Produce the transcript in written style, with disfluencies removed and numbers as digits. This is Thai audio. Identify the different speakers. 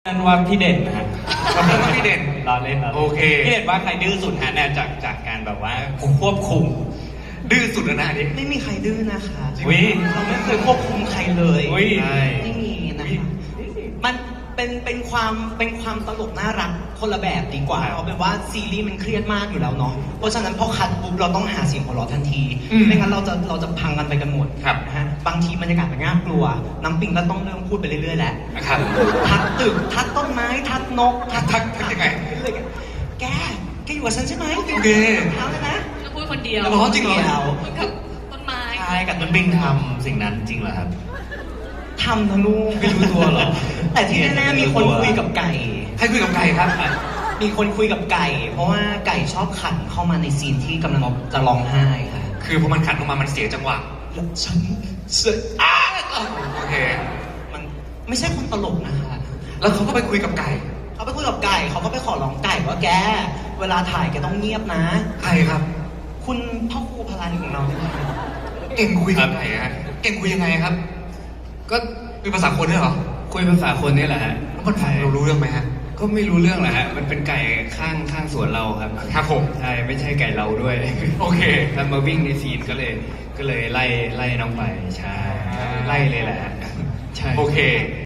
Speaker 1: นั่นว่าพี่เด่นนะฮะ
Speaker 2: เราเรียกว่าพี่เด่น
Speaker 1: เราเล่นเรา
Speaker 2: โอเค
Speaker 1: พี่เด่นว่าใครดื้อสุดฮะเนี่ยจากการแบบว่าควบคุม
Speaker 2: ดื้อสุดแล้วนะอันนี้
Speaker 3: ไม่มีใครดื้อนะคะ
Speaker 1: อุ๊ย
Speaker 3: เราไม่เคยควบคุมใครเลย
Speaker 1: อุ๊ย
Speaker 2: ใช่
Speaker 3: ไม่มีนะคะมันเป็นความตลกน่ารักคนละแบบดีกว่าเพราะเป็นว่าซีรีส์มันเครียดมากอยู่แล้วเนาะเพราะฉะนั้นพอคัดปุ๊บเราต้องหาเสียงหัวเราะทันทีไม่งั้นเราจะพังกันไปกันหมด
Speaker 2: ครับ
Speaker 3: นะฮะบางทีบรรยากาศมันน่ากลัว น้ำปิงก็ต้องเริ่มพูดไปเรื่อยๆแล้ว
Speaker 2: นะครับ
Speaker 3: ทักตึกทักต้นไม้ทักนก
Speaker 2: ทักยังไง
Speaker 3: เรื่อยๆแกอยู่กับฉันใช่ไหม
Speaker 2: โอเค
Speaker 3: เท้าแล้วนะ
Speaker 4: ก็พูดคนเดียว
Speaker 2: แล้วบอกว่าจริงเหรอ
Speaker 4: พูดกับต้นไม้
Speaker 3: ใช่กับ
Speaker 1: มันบิงทำสิ่งนั้นจริงเหรอครับ
Speaker 3: ทำนะลูก
Speaker 1: ไม่รู้ตัวเหรอ
Speaker 3: แต่ที่แน่ๆมีคนคุยกับไก่
Speaker 2: ใครคุยกับใครครับ
Speaker 3: มีคนคุยกับไก่ เพราะว่าไก่ชอบขันเข้ามาในซีนที่กำลังจะร้องไห้ค่ะ
Speaker 2: คือพอมันขัดออกมามันเสียจังหวะ
Speaker 3: แล้วฉันเสียอ้า
Speaker 2: โอเค
Speaker 3: มันไม่ใช่คนตลกนะคะ
Speaker 2: แล้วเขาก็ไปคุยกับไก่
Speaker 3: เขาไปคุยกับไก่เขาก็ไปขอร้องไก่ว่าแก เวลาถ่ายแกต้องเงียบนะ
Speaker 2: ใครครับ
Speaker 3: คุณพ่อครูพลันของเราเนี่ยนะ
Speaker 2: เก่งคุยกับไก่ฮะ เก่งคุยยังไงครับ ก็คุยภาษาคนเนี่ยเหรอ
Speaker 1: คุยภาษาคนนี่แหละฮะ
Speaker 2: แล้วมันฟังเรารู้เรื่องไหมฮะ
Speaker 1: ก็ไม่รู้เรื่องแหละฮะ มันเป็นไก่ข้างสวนเราครับ
Speaker 2: ครับผม
Speaker 1: ใช่ ไม่ใช่ไก่เราด้วย
Speaker 2: โอเค
Speaker 1: แล้วมาวิ่งในซีนก็เลยไล่น้องไป ใช่ ไล่เลยแหละฮะใช่
Speaker 2: โอเค